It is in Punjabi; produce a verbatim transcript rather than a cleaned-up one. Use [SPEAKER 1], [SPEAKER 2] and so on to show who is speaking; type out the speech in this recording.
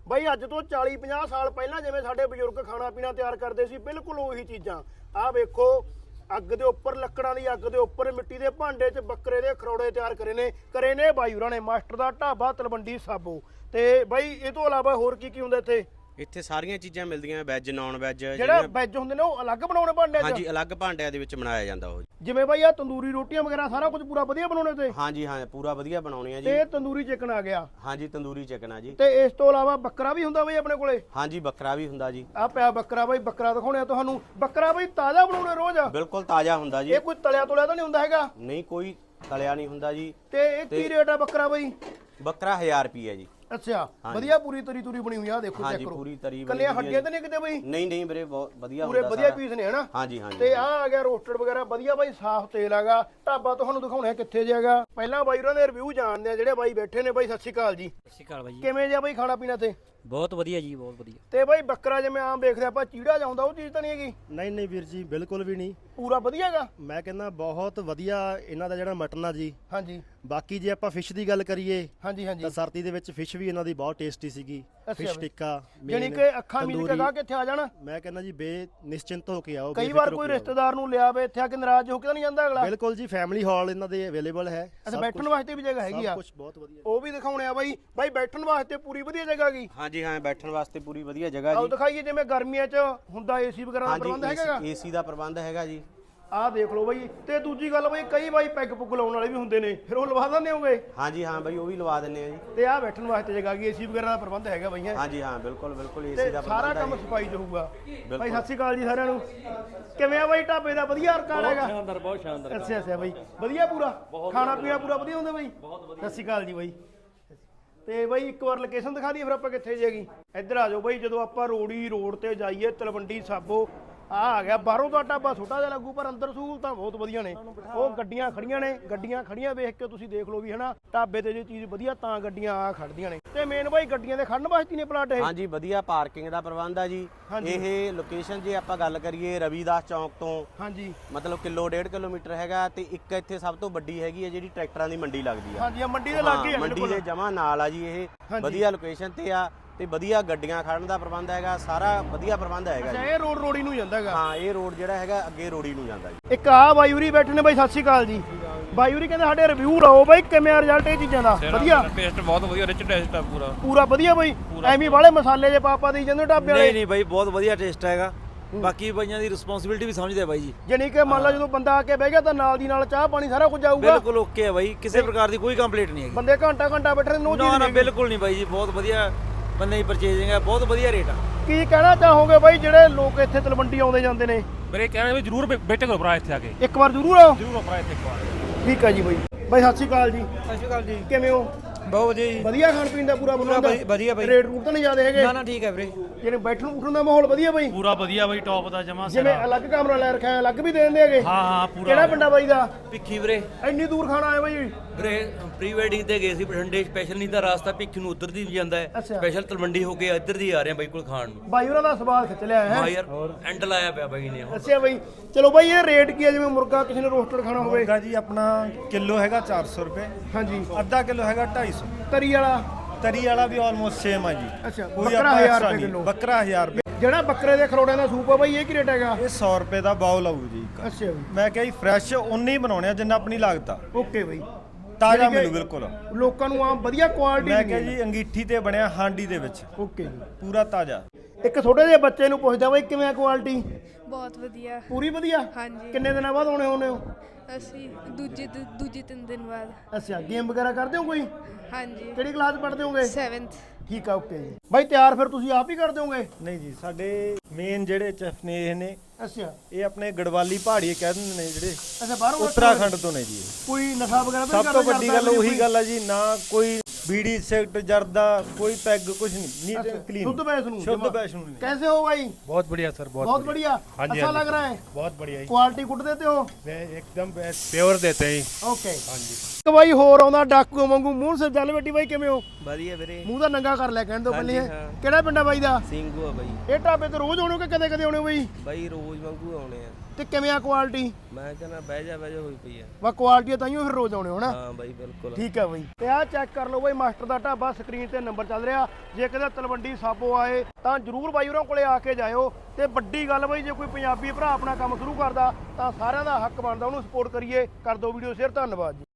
[SPEAKER 1] ਬਾਈ ਅੱਜ ਤੋਂ ਚਾਲੀ ਪੰਜਾਹ ਸਾਲ ਪਹਿਲਾਂ ਜਿਵੇਂ ਸਾਡੇ ਬਜ਼ੁਰਗ ਖਾਣਾ ਪੀਣਾ ਤਿਆਰ ਕਰਦੇ ਸੀ ਬਿਲਕੁਲ ਉਹੀ ਚੀਜ਼ਾਂ। ਆਹ ਵੇਖੋ ਅੱਗ ਦੇ ਉੱਪਰ ਲੱਕੜਾਂ ਦੀ ਅੱਗ ਦੇ ਉੱਪਰ ਮਿੱਟੀ ਦੇ ਭਾਂਡੇ 'ਚ ਬੱਕਰੇ ਦੇ ਖਰੋੜੇ ਤਿਆਰ ਕਰੇ ਨੇ ਕਰੇ ਨੇ ਬਾਈ ਹੋਰਾਂ ਨੇ ਮਾਸਟਰ ਦਾ ਢਾਬਾ ਤਲਵੰਡੀ ਸਾਬੋ। ਤੇ ਬਾਈ ਇਹ ਤੋਂ ਇਲਾਵਾ ਹੋਰ ਕੀ ਕੀ ਹੁੰਦਾ ਇੱਥੇ?
[SPEAKER 2] ਇੱਥੇ ਸਾਰੀਆਂ ਚੀਜ਼ਾਂ ਮਿਲਦੀਆਂ ਵੈਜ ਨੌਨ ਵੈਜ।
[SPEAKER 1] ਜਿਹੜਾ ਵੈਜ ਹੁੰਦੇ ਨੇ ਉਹ ਅਲੱਗ ਬਣਾਉਣੇ ਭਾਂਡੇ 'ਚ?
[SPEAKER 2] ਹਾਂਜੀ ਅਲੱਗ ਭਾਂਡਿਆਂ ਦੇ ਵਿੱਚ ਬਣਾਇਆ ਜਾਂਦਾ ਉਹ।
[SPEAKER 1] ਜਿਵੇਂ ਬਾਈ ਆ ਤੰਦੂਰੀ ਰੋਟੀਆਂ ਵਗੈਰਾ ਸਾਰਾ ਕੁਝ ਪੂਰਾ ਵਧੀਆ ਬਣਾਉਣੇ ਤੇ?
[SPEAKER 2] ਹਾਂਜੀ ਹਾਂ ਪੂਰਾ ਵਧੀਆ ਬਣਾਉਣੀ ਆ ਜੀ।
[SPEAKER 1] ਤੇ ਤੰਦੂਰੀ ਚਿਕਨ ਆ ਗਿਆ?
[SPEAKER 2] ਹਾਂਜੀ ਤੰਦੂਰੀ ਚਿਕਨ ਆ ਜੀ।
[SPEAKER 1] ਤੇ ਇਸ ਤੋਂ ਇਲਾਵਾ ਬੱਕਰਾ ਵੀ ਹੁੰਦਾ ਬਾਈ ਆਪਣੇ ਕੋਲੇ?
[SPEAKER 2] ਹਾਂਜੀ ਬੱਕਰਾ ਵੀ ਹੁੰਦਾ ਜੀ।
[SPEAKER 1] ਆ ਪਿਆ ਬੱਕਰਾ ਬਾਈ, ਬੱਕਰਾ ਦਿਖਾਉਣੇ ਆ ਤੁਹਾਨੂੰ। ਬੱਕਰਾ ਬਾਈ ਤਾਜ਼ਾ ਬਣਾਉਣੇ ਰੋਜ਼?
[SPEAKER 2] ਬਿਲਕੁਲ ਤਾਜ਼ਾ ਹੁੰਦਾ ਜੀ।
[SPEAKER 1] ਇਹ ਕੋਈ ਤਲਿਆ ਤੁਲਿਆ ਤਾਂ ਨਹੀਂ ਹੁੰਦਾ ਹੈਗਾ?
[SPEAKER 2] ਨਹੀਂ ਕੋਈ ਤਲਿਆ ਨਹੀਂ ਹੁੰਦਾ ਜੀ।
[SPEAKER 1] ਤੇ ਇਹ ਕੀ ਰੇਟ ਆ ਬੱਕਰਾ ਬਾਈ?
[SPEAKER 2] ਬੱਕਰਾ ਹਜ਼ਾਰ ਰੁਪਏ ਜੀ।
[SPEAKER 1] ਅੱਛਾ ਵਧੀਆ ਪੂਰੀ ਤਰੀ ਤੁਰੀ ਬਣੀ ਹੋਈ ਆ ਦੇਖੋ ਚੈੱਕ ਕਰੋ।
[SPEAKER 2] ਪੂਰੀ ਤਰੀ
[SPEAKER 1] ਕੱਲੀਆਂ ਹੱਡੀਆਂ ਤਾਂ ਨਹੀਂ ਕਿਤੇ ਬਾਈ?
[SPEAKER 2] ਨਹੀਂ ਨਹੀਂ ਵੀਰੇ ਬਹੁਤ ਵਧੀਆ
[SPEAKER 1] ਪੂਰੇ ਵਧੀਆ ਪੀਸ ਨੇ ਹਨਾ?
[SPEAKER 2] ਹਾਂਜੀ ਹਾਂਜੀ।
[SPEAKER 1] ਤੇ ਆ ਆ ਗਿਆ ਰੋਸਟਡ ਵਗੈਰਾ ਵਧੀਆ ਬਾਈ, ਸਾਫ਼ ਤੇਲ ਹੈਗਾ। ਢਾਬਾ ਤੁਹਾਨੂੰ ਦਿਖਾਉਣਾ ਕਿੱਥੇ ਜਾਏਗਾ। ਪਹਿਲਾਂ ਬਾਈ ਉਹਨਾਂ ਦੇ ਰਿਵਿਊ ਜਾਣਦੇ ਆ ਜਿਹੜੇ ਬਾਈ ਬੈਠੇ ਨੇ। ਬਾਈ ਸਤਿ ਸ਼੍ਰੀ ਅਕਾਲ ਜੀ।
[SPEAKER 3] ਸਤਿ ਸ਼੍ਰੀ ਅਕਾਲ ਬਾਈ।
[SPEAKER 1] ਕਿਵੇਂ ਜਿਹਾ ਬਾਈ ਖਾਣਾ ਪੀਣਾ ਤੇ?
[SPEAKER 3] ਬਹੁਤ ਵਧੀਆ ਜੀ ਬਹੁਤ ਵਧੀਆ।
[SPEAKER 1] ਤੇ ਬਾਈ ਬੱਕਰਾ ਜਿਵੇਂ ਆਮ ਦੇਖਦੇ ਆਪਾਂ ਚੀੜਾ ਜਾਂਦਾ ਉਹ ਚੀਜ਼ ਤਾਂ ਨਹੀਂ ਹੈਗੀ?
[SPEAKER 4] ਨਹੀਂ ਨਹੀਂ ਵੀਰ ਜੀ ਬਿਲਕੁਲ ਵੀ ਨਹੀਂ।
[SPEAKER 1] ਪੂਰਾ ਵਧੀਆ ਹੈਗਾ?
[SPEAKER 4] ਮੈਂ ਕਹਿੰਦਾ ਬਹੁਤ ਵਧੀਆ ਇਹਨਾਂ ਦਾ ਜਿਹੜਾ ਮਟਨ ਆ ਜੀ।
[SPEAKER 1] ਹਾਂਜੀ।
[SPEAKER 4] ਬਾਕੀ ਜੇ ਆਪਾਂ ਫਿਸ਼ ਦੀ ਗੱਲ ਕਰੀਏ
[SPEAKER 1] ਹਾਂਜੀ ਹਾਂਜੀ
[SPEAKER 4] ਤਾਂ ਸਰਦੀ ਦੇ ਵਿੱਚ ਫਿਸ਼ ਵੀ ਇਹਨਾਂ ਦੀ ਬਹੁਤ ਟੇਸਟੀ ਸੀਗੀ। ਫਿਸ਼ ਟਿੱਕਾ
[SPEAKER 1] ਜਾਨੀ ਕਿ ਅੱਖਾਂ ਮੀਚ ਕੇ ਗਾ ਕੇ ਇੱਥੇ ਆ ਜਾਣਾ।
[SPEAKER 4] ਮੈਂ ਕਹਿੰਦਾ ਜੀ ਬੇ ਨਿਸ਼ਚਿੰਤ ਹੋ ਕੇ ਆਓ।
[SPEAKER 1] ਕਈ ਵਾਰ ਕੋਈ ਰਿਸ਼ਤੇਦਾਰ ਨੂੰ ਲਿਆਵੇ ਇੱਥੇ ਆ ਕੇ ਨਾਰਾਜ਼ ਹੋ ਕੇ ਤਾਂ ਨਹੀਂ ਜਾਂਦਾ ਅਗਲਾ?
[SPEAKER 4] ਬਿਲਕੁਲ ਜੀ ਫੈਮਿਲੀ ਹਾਲ ਇਹਨਾਂ ਦੇ ਅਵੇਲੇਬਲ ਹੈ।
[SPEAKER 1] ਅੱਛਾ ਬੈਠਣ ਵਾਸਤੇ ਵੀ ਜਗ੍ਹਾ ਹੈਗੀ ਆ?
[SPEAKER 4] ਸਭ ਕੁਝ ਬਹੁਤ ਵਧੀਆ।
[SPEAKER 1] ਉਹ ਵੀ ਦਿਖਾਉਣੇ ਆ ਬਾਈ। ਬਾਈ ਬੈਠਣ ਵਾਸਤੇ ਪੂਰੀ ਵਧੀਆ ਜਗ੍ਹਾ ਹੈਗੀ?
[SPEAKER 2] ਹਾਂਜੀ ਹਾਂ ਬੈਠਣ ਵਾਸਤੇ ਪੂਰੀ ਵਧੀਆ ਜਗ੍ਹਾ
[SPEAKER 1] ਆਓ
[SPEAKER 2] ਜੀ।
[SPEAKER 1] ਦਿਖਾਈਏ ਜਿਵੇਂ ਗਰਮੀਆਂ 'ਚ ਹੁੰਦਾ ਏਸੀ ਵਗੈਰਾ ਦਾ ਪ੍ਰਬੰਧ ਹੈਗਾ?
[SPEAKER 2] ਹਾਂਜੀ ਏਸੀ ਦਾ ਪ੍ਰਬੰਧ ਹੈਗਾ ਜੀ।
[SPEAKER 1] ਆਹ ਦੇਖ ਲਓ ਬਾਈ। ਤੇ ਦੂਜੀ ਗੱਲ ਬਾਈ ਕਈ ਬਾਈ ਪੈਗ ਪੁੱਗ ਲਾਉਣ ਵਾਲੇ ਵੀ ਹੁੰਦੇ ਨੇ, ਫਿਰ ਉਹ ਲਵਾ ਦਿੰਦੇ ਹੋਗੇ?
[SPEAKER 2] ਹਾਂਜੀ ਹਾਂ ਬਾਈ ਉਹ ਵੀ ਲਵਾ ਦਿੰਨੇ ਆ ਜੀ।
[SPEAKER 1] ਤੇ ਆਹ ਬੈਠਣ ਵਾਸਤੇ ਜਗ੍ਹਾ ਹੈਗੀ, ਏਸੀ ਵਗੈਰਾ ਦਾ ਪ੍ਰਬੰਧ ਹੈਗਾ ਬਾਈ? ਹੈ
[SPEAKER 2] ਹਾਂਜੀ ਹਾਂ ਬਿਲਕੁਲ ਬਿਲਕੁਲ ਏਸੀ
[SPEAKER 1] ਤੇ
[SPEAKER 2] ਦਾ
[SPEAKER 1] ਸਾਰਾ
[SPEAKER 2] ਪ੍ਰਬੰਧ
[SPEAKER 1] ਕੰਮ
[SPEAKER 2] ਹੈ।
[SPEAKER 1] ਸਫਾਈ 'ਚ ਹੋਊਗਾ। ਬਾਈ ਸਤਿ ਸ਼੍ਰੀ ਅਕਾਲ ਜੀ ਸਾਰਿਆਂ ਨੂੰ। ਕਿਵੇਂ ਆ ਬਾਈ ਢਾਬੇ ਦਾ? ਵਧੀਆ ਰਿਕਾਰਡ ਹੈਗਾ?
[SPEAKER 3] ਸ਼ਾਨਦਾਰ ਬਹੁਤ ਸ਼ਾਨਦਾਰ।
[SPEAKER 1] ਅੱਛਾ ਅੱਛਾ ਬਾਈ ਵਧੀਆ ਪੂਰਾ ਖਾਣਾ ਪੀਣਾ ਪੂਰਾ ਵਧੀਆ ਹੁੰਦਾ ਬਾਈ? ਸਤਿ ਸ਼੍ਰੀ ਅਕਾਲ ਜੀ ਬਾਈ। ਤੇ ਬਾਈ ਇੱਕ ਵਾਰ ਲੋਕੇਸ਼ਨ ਦਿਖਾ ਦਈਏ ਫਿਰ ਆਪਾਂ ਕਿੱਥੇ ਜਾਏਗੀ। ਇੱਧਰ ਆ ਜਾਓ ਬਾਈ। ਜਦੋਂ ਆਪਾਂ ਰੋੜੀ ਰੋਡ ਤੇ ਜਾਈਏ ਤਲਵੰਡੀ ਸਾਬੋ ਆ ਆ ਗਿਆ। ਬਾਹਰੋਂ ਤਾਂ ਢਾਬਾ ਛੋਟਾ ਜਿਹਾ ਲੱਗੂ ਪਰ ਅੰਦਰ ਸਹੂਲਤਾਂ ਬਹੁਤ ਵਧੀਆ ਨੇ। ਉਹ ਗੱਡੀਆਂ ਖੜੀਆਂ ਨੇ, ਗੱਡੀਆਂ ਖੜੀਆਂ ਵੇਖ ਕੇ ਤੁਸੀਂ ਦੇਖ ਲਓ ਵੀ ਹਨਾ ਢਾਬੇ ਤੇ ਜੇ ਚੀਜ਼ ਵਧੀਆ ਤਾਂ ਗੱਡੀਆਂ ਆ ਖੜਦੀਆਂ ਨੇ। ਤੇ ਮੇਨ ਬਾਈ ਗੱਡੀਆਂ ਦੇ ਖੜਨ ਵਾਸਤੇ ਨੇ ਪਲਾਟ ਇਹ?
[SPEAKER 2] ਹਾਂਜੀ ਵਧੀਆ ਪਾਰਕਿੰਗ ਦਾ ਪ੍ਰਬੰਧ ਆ ਜੀ। ਇਹ ਲੋਕੇਸ਼ਨ ਜੇ ਆਪਾਂ ਗੱਲ ਕਰੀਏ ਰਵੀਦਾਸ ਚੌਂਕ ਤੋਂ
[SPEAKER 1] ਹਾਂਜੀ
[SPEAKER 2] ਮਤਲਬ ਕਿਲੋ ਡੇਢ ਕਿਲੋਮੀਟਰ ਹੈਗਾ। ਤੇ ਇੱਕ ਇੱਥੇ ਸਭ ਤੋਂ ਵੱਡੀ ਹੈਗੀ ਹੈ ਜਿਹੜੀ ਟਰੈਕਟਰਾਂ ਦੀ ਮੰਡੀ ਲੱਗਦੀ ਆ।
[SPEAKER 1] ਹਾਂਜੀ ਆ ਮੰਡੀ ਦੇ ਲਾਗੇ ਆ
[SPEAKER 2] ਮੰਡੀ ਦੇ ਜਮਾ ਨਾਲ ਆ ਜੀ। ਇਹ ਵਧੀਆ ਲੋਕੇਸ਼ਨ ਤੇ ਆ ਤੇ ਵਧੀਆ ਗੱਡੀਆਂ ਖੜਨ ਦਾ ਪ੍ਰਬੰਧ ਹੈਗਾ। ਸਾਰਾ ਵਧੀਆ ਪ੍ਰਬੰਧ ਹੈਗਾ ਜੀ।
[SPEAKER 1] ਇਹ ਰੋਡ ਰੋੜੀ ਨੂੰ ਜਾਂਦਾ ਹੈਗਾ?
[SPEAKER 2] ਹਾਂ ਇਹ ਰੋਡ ਜਿਹੜਾ ਹੈਗਾ ਅੱਗੇ ਰੋੜੀ ਨੂੰ ਜਾਂਦਾ ਜੀ।
[SPEAKER 1] ਇੱਕ ਆ ਬਾਈੂਰੀ ਬੈਠੇ ਨੇ ਬਾਈ। ਸਤਿ ਸ਼੍ਰੀ ਅਕਾਲ ਜੀ। ਬਾਈੂਰੀ ਕਹਿੰਦੇ ਸਾਡੇ ਰਿਵਿਊ ਲਾਓ ਬਾਈ, ਕਿਵੇਂ ਆ ਰਿਜ਼ਲਟ ਇਹ ਚੀਜ਼ਾਂ ਦਾ? ਵਧੀਆ
[SPEAKER 5] ਟੇਸਟ ਬਹੁਤ ਵਧੀਆ, ਰਿਚ ਟੇਸਟ ਆ ਪੂਰਾ
[SPEAKER 1] ਪੂਰਾ ਵਧੀਆ ਬਾਈ? ਐਵੇਂ ਵਾਲੇ ਮਸਾਲੇ ਜੇ ਪਾਪਾ ਦੇ ਜਾਂਦੇ ਢਾਬੇ ਵਾਲੇ?
[SPEAKER 6] ਨਹੀਂ ਨਹੀਂ ਬਾਈ ਬਹੁਤ ਵਧੀਆ ਟੇਸਟ ਹੈਗਾ। ਬਾਕੀ ਬਾਈਆਂ ਦੀ ਰਿਸਪੌਂਸਿਬਿਲਟੀ ਵੀ ਸਮਝਦੇ ਆ ਬਾਈ ਜੀ।
[SPEAKER 1] ਜਾਨੀ ਕਿ ਮੰਨ ਲਾ ਜਦੋਂ ਬੰਦਾ ਆ ਕੇ ਬਹਿ ਗਿਆ ਤਾਂ ਨਾਲ ਦੀ ਨਾਲ ਚਾਹ ਪਾਣੀ ਸਾਰਾ ਕੁਝ ਆਊਗਾ?
[SPEAKER 6] ਬਿਲਕੁਲ ਓਕੇ ਹੈ ਬਾਈ, ਕਿਸੇ ਪ੍ਰਕਾਰ ਦੀ ਕੋਈ ਕੰਪਲੇਂਟ ਨਹੀਂ ਹੈਗੀ।
[SPEAKER 1] ਬੰਦੇ ਘੰਟਾ ਘੰਟਾ ਬੈਠੇ ਨੋ
[SPEAKER 6] ਨਾ ਨਾ ਬਿਲਕੁਲ ਨਹੀਂ ਬਾਈ ਜੀ। ਬਹੁਤ ਵਧੀਆ ਬੰਦੇ ਦੀ ਪਰਚੇਜ਼ਿੰਗ ਹੈ, ਬਹੁਤ ਵਧੀਆ ਰੇਟ ਆ।
[SPEAKER 1] ਕੀ ਕਹਿਣਾ ਚਾਹੋਗੇ ਬਾਈ ਜਿਹੜੇ ਲੋਕ ਇੱਥੇ ਤਲਵੰਡੀ ਆਉਂਦੇ ਜਾਂਦੇ ਨੇ?
[SPEAKER 5] ਮੇਰੇ ਕਹਿਣਾ ਵੀ ਜਰੂਰ ਬੇਟੇ ਕੋਲ ਭਰਾ ਇੱਥੇ ਆ ਕੇ
[SPEAKER 1] ਇੱਕ ਵਾਰ ਜ਼ਰੂਰ ਆਓ।
[SPEAKER 5] ਜਰੂਰ ਭਰਾ ਇੱਥੇ ਇੱਕ ਵਾਰ।
[SPEAKER 1] ਠੀਕ ਆ ਜੀ ਬਾਈ। ਬਾਈ ਸਤਿ ਸ਼੍ਰੀ ਅਕਾਲ ਜੀ।
[SPEAKER 6] ਸਤਿ ਸ਼੍ਰੀ ਅਕਾਲ ਜੀ।
[SPEAKER 1] ਕਿਵੇਂ ਹੋ?
[SPEAKER 6] ਬਹੁਤ ਵਧੀਆ ਜੀ।
[SPEAKER 1] ਵਧੀਆ ਖਾਣ ਪੀਣ ਦਾ ਪੂਰਾ ਪ੍ਰਬੰਧ?
[SPEAKER 6] ਵਧੀਆ ਬਾਈ।
[SPEAKER 1] ਰੇਟ ਰੂਟ ਤਾਂ ਨਹੀਂ ਜ਼ਿਆਦਾ ਹੈਗੇ?
[SPEAKER 6] ਨਾ ਨਾ ਠੀਕ ਹੈ ਵੀਰੇ।
[SPEAKER 1] ਜਿਹੜੇ ਬੈਠਣ ਉੱਠਣ ਦਾ ਮਾਹੌਲ ਵਧੀਆ ਬਾਈ?
[SPEAKER 5] ਪੂਰਾ ਵਧੀਆ ਬਾਈ, ਟੌਪ ਦਾ ਜਮਾ
[SPEAKER 1] ਜਿਵੇਂ ਅਲੱਗ ਕਮਰਾ ਲੈ ਰੱਖਿਆ ਅਲੱਗ ਵੀ ਦੇ ਦਿੰਦੇ ਹੈਗੇ?
[SPEAKER 5] ਹਾਂ ਹਾਂ ਪੂਰਾ।
[SPEAKER 1] ਕਿਹੜਾ ਪਿੰਡਾ ਬਾਈ ਦਾ?
[SPEAKER 6] ਭਿੱਖੀ ਵੀਰੇ।
[SPEAKER 1] ਇੰਨੀ ਦੂਰ ਖਾਣਾ ਆਇਆ ਬਾਈ?
[SPEAKER 6] ਵੀਰੇ ਪ੍ਰੀ ਵੈਡਿੰਗ ਤੇ ਗਏ ਸੀ ਬਠਿੰਡੇ ਸਪੈਸ਼ਲ, ਨਹੀਂ ਤਾਂ ਰਾਸਤਾ ਭਿੱਖੀ ਨੂੰ ਉਧਰ ਦੀ ਵੀ ਜਾਂਦਾ ਹੈ। ਸਪੈਸ਼ਲ ਤਲਵੰਡੀ ਹੋ ਕੇ ਇੱਧਰ ਦੀ ਆ ਰਹੇ ਆ ਬਾਈ ਕੋਲ ਖਾਣ ਨੂੰ।
[SPEAKER 1] ਬਾਈ ਉਹਨਾਂ ਦਾ ਸਵਾਲ ਖਿੱਚ ਲਿਆ ਹੈ?
[SPEAKER 6] ਹਾਂ ਯਾਰ ਐਂਡ ਲਾਇਆ ਪਿਆ ਬਾਈ ਨੇ।
[SPEAKER 1] ਅੱਛਾ ਬਾਈ ਚਲੋ ਬਾਈ ਇਹ ਰੇਟ ਕੀ ਹੈ ਜਿਵੇਂ ਮੁਰਗਾ ਕਿਸੇ ਨੇ ਰੋਸਟਡ ਖਾਣਾ ਹੋਵੇ?
[SPEAKER 4] ਮੁਰਗਾ ਜੀ ਆਪਣਾ ਕਿਲੋ ਹੈਗਾ ਚਾਰ ਸੌ ਰੁਪਏ।
[SPEAKER 1] ਹਾਂਜੀ।
[SPEAKER 4] ਅੱਧਾ ਕਿਲੋ ਹੈਗਾ ਢਾਈ ਸੌ।
[SPEAKER 1] ਤਰੀ ਵਾਲਾ?
[SPEAKER 4] ਤਰੀ ਵਾਲਾ ਵੀ ਆਲਮੋਸਟ ਸੇਮ ਆ ਜੀ।
[SPEAKER 1] ਅੱਛਾ
[SPEAKER 4] ਕੋਈ
[SPEAKER 1] ਬੱਕਰਾ
[SPEAKER 4] ਆਪਾਂ
[SPEAKER 1] ਹਜ਼ਾਰ
[SPEAKER 4] extra
[SPEAKER 1] ਰੁਪਏ
[SPEAKER 4] ਨਹੀਂ।
[SPEAKER 1] ਕਿਲੋ?
[SPEAKER 4] ਬੱਕਰਾ ਹਜ਼ਾਰ ਰੁਪਏ।
[SPEAKER 1] ਜਿਹੜਾ ਬੱਕਰੇ ਦੇ ਖਰੋੜਿਆਂ ਦਾ ਸੂਪ ਆ ਬਾਈ ਇਹ ਕੀ ਰੇਟ ਹੈਗਾ?
[SPEAKER 4] ਇਹ ਸੌ ਰੁਪਏ ਦਾ ਬਾਉਲ ਆਊ ਜੀ ਇੱਕ।
[SPEAKER 1] ਅੱਛਾ ਬਾਈ।
[SPEAKER 4] ਮੈਂ ਕਿਹਾ ਜੀ ਫਰੈਸ਼ ਉਨੇ ਹੀ ਬਣਾਉਣੇ ਆ ਜਿੰਨਾ ਆਪਣੀ ਲਾਗਤ ਆ।
[SPEAKER 1] ਓਕੇ ਬਾਈ।
[SPEAKER 4] ਤਾਜ਼ਾ
[SPEAKER 1] ਯਾਨੀ ਕਿ
[SPEAKER 4] ਮਿਲੂ ਬਿਲਕੁਲ।
[SPEAKER 1] ਲੋਕਾਂ ਨੂੰ ਆਮ ਵਧੀਆ ਕੁਆਲਿਟੀ
[SPEAKER 4] ਮੈਂ ਕਿਹਾ ਜੀ ਅੰਗੀਠੀ ਤੇ ਬਣਿਆ ਹਾਂਡੀ ਦੇ ਵਿੱਚ
[SPEAKER 1] ਓਕੇ ਜੀ।
[SPEAKER 4] ਪੂਰਾ ਤਾਜ਼ਾ।
[SPEAKER 1] ਇੱਕ ਛੋਟੇ ਜਿਹੇ ਬੱਚੇ ਨੂੰ ਪੁੱਛਦਾ ਬਾਈ ਕਿਵੇਂ ਆ ਕੁਆਲਿਟੀ?
[SPEAKER 7] ਬਹੁਤ ਵਧੀਆ।
[SPEAKER 1] ਪੂਰੀ ਵਧੀਆ?
[SPEAKER 7] ਹਾਂਜੀ।
[SPEAKER 1] ਕਿੰਨੇ ਦਿਨਾਂ ਬਾਅਦ ਆਉਣੇ ਹੋਣੇ ਹੋ?
[SPEAKER 7] ਅਸੀਂ ਦੂਜੇ ਦਿ- ਦੂਜੇ ਤਿੰਨ ਦਿਨ ਬਾਅਦ।
[SPEAKER 1] ਅੱਛਾ ਗੇਮ ਵਗੈਰਾ ਕਰਦੇ ਹੋ ਕੋਈ?
[SPEAKER 7] ਹਾਂਜੀ
[SPEAKER 1] ਕਿਹੜੀ ਕਲਾਸ ਪੜ੍ਹਦੇ ਹੋਗੇ?
[SPEAKER 7] ਸੈਵਨਥ।
[SPEAKER 1] ਠੀਕ ਆ ਓਕੇ ਜੀ। ਬਾਈ ਤਿਆਰ ਫਿਰ ਤੁਸੀਂ ਆਪ ਹੀ ਕਰਦੇ ਹੋਗੇ?
[SPEAKER 4] ਨਹੀਂ ਜੀ ਸਾਡੇ ਮੇਨ ਜਿਹੜੇ ਚੈਫ ਨੇ ਇਹ ਨੇ,
[SPEAKER 1] ਅੱਛਾ
[SPEAKER 4] ਇਹ ਆਪਣੇ ਗੜਵਾਲੀ ਪਹਾੜੀਏ ਕਹਿ ਦਿੰਦੇ ਨੇ ਜਿਹੜੇ,
[SPEAKER 1] ਅੱਛਾ ਬਾਹਰੋਂ
[SPEAKER 4] ਉੱਤਰਾਖੰਡ ਤੋਂ ਨੇ ਜੀ।
[SPEAKER 1] ਕੋਈ ਨਸ਼ਾ ਵਗੈਰਾ ਤਾਂ
[SPEAKER 4] ਸਭ ਤੋਂ ਵੱਡੀ ਗੱਲ ਉਹੀ ਗੱਲ ਆ ਜੀ, ਨਾ ਕੋਈ बीड़ी सिगरेट जर्दा कोई पैग कुछ नहीं, नीट एंड क्लीन,
[SPEAKER 1] शुद्ध वैष्णो
[SPEAKER 4] शुद्ध वैष्णो।
[SPEAKER 1] कैसे हो भाई?
[SPEAKER 5] बहुत बढ़िया सर, बहुत
[SPEAKER 1] बहुत बढ़िया।
[SPEAKER 5] हाँ जी,
[SPEAKER 1] अच्छा
[SPEAKER 5] हाँ जी।
[SPEAKER 1] लग रहा है?
[SPEAKER 5] बहुत बढ़िया ही।
[SPEAKER 1] क्वालिटी गुड देते हो?
[SPEAKER 5] एकदम प्योर देते हैं।
[SPEAKER 1] ओके
[SPEAKER 5] हाँ जी।
[SPEAKER 1] तो भाई होर आਉਂਦਾ ਡਾਕੂ ਵਾਂਗੂ ਮੂੰਹ ਸੇ ਜਲ ਬੈਠੀ ਬਾਈ ਕਿਵੇਂ ਹੋ?
[SPEAKER 6] ਵਧੀਆ ਵੀਰੇ।
[SPEAKER 1] ਮੂੰਹ ਦਾ ਨੰਗਾ ਕਰ ਲਿਆ ਕਹਿਣ ਤੋਂ ਪਹਿਲੇ ਕਿਹੜਾ ਪਿੰਡ ਆ ਬਾਈ ਦਾ?
[SPEAKER 8] ਸਿੰਘੂ ਆ ਬਾਈ।
[SPEAKER 1] ਇਹ ਢਾਬੇ ਤੇ ਰੋਜ਼ ਆਉਣੇ ਕਿ ਕਦੇ ਕਦੇ ਆਉਣੇ ਬਾਈ?
[SPEAKER 8] ਬਾਈ ਰੋਜ਼ ਵਾਂਗੂ ਆਉਣੇ ਆ।
[SPEAKER 1] ਤੇ ਕਿਵੇਂ ਆ ਕੁਆਲਿਟੀ?
[SPEAKER 8] ਮੈਂ ਕਹਿੰਦਾ ਬਹਿ ਜਾ ਬਹਿ ਜਾ ਹੋਈ ਪਈ ਆ।
[SPEAKER 1] ਵਾ ਕੁਆਲਿਟੀ ਤਾਂ ਹੀ ਫਿਰ ਰੋਜ਼ ਆਉਣੇ ਹੋਣਾ।
[SPEAKER 8] ਹਾਂ ਬਾਈ ਬਿਲਕੁਲ
[SPEAKER 1] ਠੀਕ ਹੈ ਬਾਈ। ਤੇ ਆਹ ਚੈੱਕ ਕਰ ਲਓ ਬਾਈ ਮਾਸਟਰ ਦਾ ਢਾਬਾ, ਸਕਰੀਨ ਤੇ ਨੰਬਰ ਚੱਲ ਰਿਹਾ। ਜੇ ਕਿਤੇ ਤਲਵੰਡੀ ਸਾਬੋ ਆਏ ਤਾਂ ਜਰੂਰ ਬਾਈ ਹੋਰਾਂ ਕੋਲੇ ਆ ਕੇ ਜਾਇਓ। ਤੇ ਵੱਡੀ ਗੱਲ ਬਾਈ, ਜੇ ਕੋਈ ਪੰਜਾਬੀ ਭਰਾ ਆਪਣਾ ਕੰਮ ਸ਼ੁਰੂ ਕਰਦਾ ਤਾਂ ਸਾਰਿਆਂ ਦਾ ਹੱਕ ਬਣਦਾ ਉਹਨੂੰ ਸਪੋਰਟ ਕਰੀਏ। ਕਰ ਦਿਓ ਵੀਡੀਓ ਸ਼ੇਅਰ। ਧੰਨਵਾਦ ਜੀ।